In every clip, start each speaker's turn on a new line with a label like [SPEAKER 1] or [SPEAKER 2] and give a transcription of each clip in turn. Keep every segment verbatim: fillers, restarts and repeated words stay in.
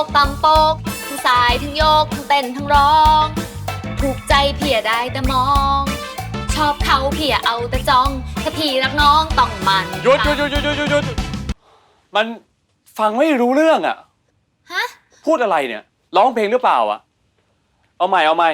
[SPEAKER 1] กตำโปกทั้งสายทั้งโยกทั้งเต้นทั้งร้องถูกใจพี่อย่าได้แต่มอง ชอบเขาพี่อย่าเอาแต่จ้องถ้าพี่รักน้องต้องมัน
[SPEAKER 2] หยุดหยุดหยุดหยุดหยุดหยุดมันฟังไม่รู้เรื่องอ่ะ
[SPEAKER 1] ฮะ
[SPEAKER 2] พูดอะไรเนี่ยร้องเพลงหรือเปล่าอ่ะเอาใหม่เอาใหม่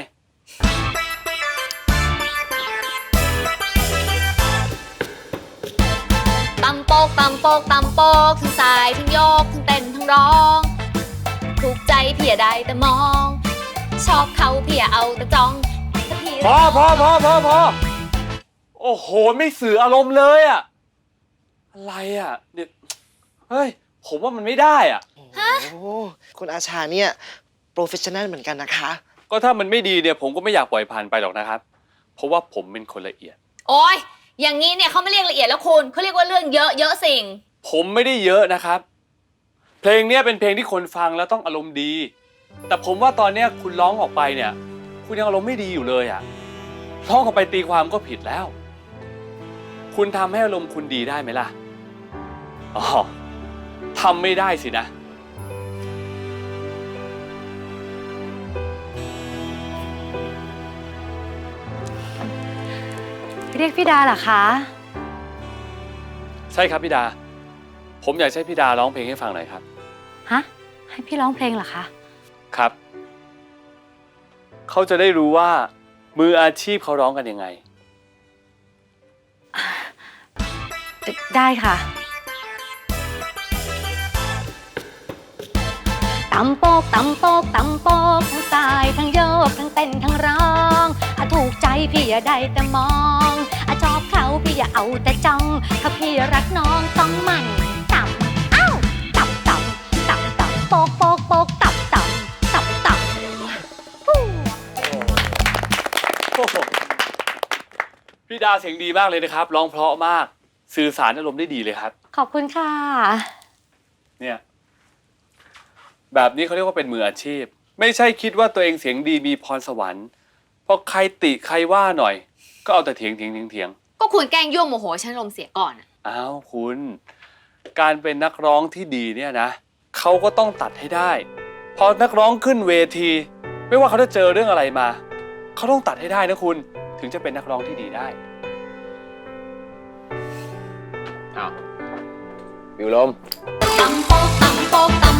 [SPEAKER 1] ตำโปกตำโปกตำโปกทั้งสายทั้งโยกทั้งเต้นทั้งร้องถูกใจพี่อย่าได้แต่มอง ชอบเขาพี่อย่าเอาแต่จ้องถ้าพี่
[SPEAKER 2] พอพอพอพอพอโอ้โหไม่สื่ออารมณ์เลยอ่ะอะไรอ่ะเนี่ยเฮ้ยผมว่ามันไม่ได้อ่ะ
[SPEAKER 3] โอ้คุณอาชาเนี่ยโปรเฟชชั่นแนลเหมือนกันนะคะ
[SPEAKER 2] ก็ถ้ามันไม่ดีเนี่ยผมก็ไม่อยากปล่อยผ่านไปหรอกนะครับเพราะว่าผมเป็นคนละเอียด
[SPEAKER 1] โอ้ยอย่างนี้เนี่ยเขาไม่เรียกละเอียดแล้วคุณเขาเรียกว่าเรื่องเยอะเยอะสิ่ง
[SPEAKER 2] ผมไม่ได้เยอะนะครับเพลงนี้เป็นเพลงที่คนฟังแล้วต้องอารมณ์ดีแต่ผมว่าตอนนี้คุณร้องออกไปเนี่ยคุณยังอารมณ์ไม่ดีอยู่เลยอ่ะร้องออกไปตีความก็ผิดแล้วคุณทำให้อารมณ์คุณดีได้ไหมล่ะอ๋อทำไม่ได้สินะ
[SPEAKER 4] เรียกพี่ดาเหรอคะ
[SPEAKER 2] ใช่ครับพี่ดาผมอยากให้พี่ดาร้องเพลงให้ฟังหน่อยครับ
[SPEAKER 4] ฮะให้พี่ร้องเพลงเหรอคะ
[SPEAKER 2] ครับเขาจะได้รู้ว่ามืออาชีพเขาร้องกันยังไง
[SPEAKER 4] ได้ค่ะตำโปกตำโปกตำโปกทั้งสายทั้งโยกทั้งเต้นทั้งร้องอะถูกใจพี่อย่าได้แต่มองอะชอบเขาพี่อย่าเอาแต่จ้องถ้าพี่รักน้องต้องมันต่ำอ้าวต่ำต่ำต่ำต่ำโปกโปกโปกต่ำต่ำต่ำต่ำ
[SPEAKER 2] พี่ดาเสียงดีมากเลยนะครับร้องเพราะมากสื่อสารอารมณ์ได้ดีเลยครับ
[SPEAKER 4] ขอบคุณค่ะ
[SPEAKER 2] เนี่ยแบบนี้เขาเรียกว่าเป็นมืออาชีพไม่ใช่คิดว่าตัวเองเสียงดีมีพรสวรรค์พอใครติใครว่าหน่อยก็เอาแต่เถียงเถียงเถียงเถียง
[SPEAKER 1] ก็คุณแกล้งยั่วโมโหฉันลมเสียก่อนอ่ะ
[SPEAKER 2] อ้าวคุณการเป็นนักร้องที่ดีเนี่ยนะเขาก็ต้องตัดให้ได้พอนักร้องขึ้นเวทีไม่ว่าเขาจะเจอเรื่องอะไรมาเขาต้องตัดให้ได้นะคุณถึงจะเป็นนักร้องที่ดีได้
[SPEAKER 5] อ้าววิวลม
[SPEAKER 1] ตำโปกตำโปกตำ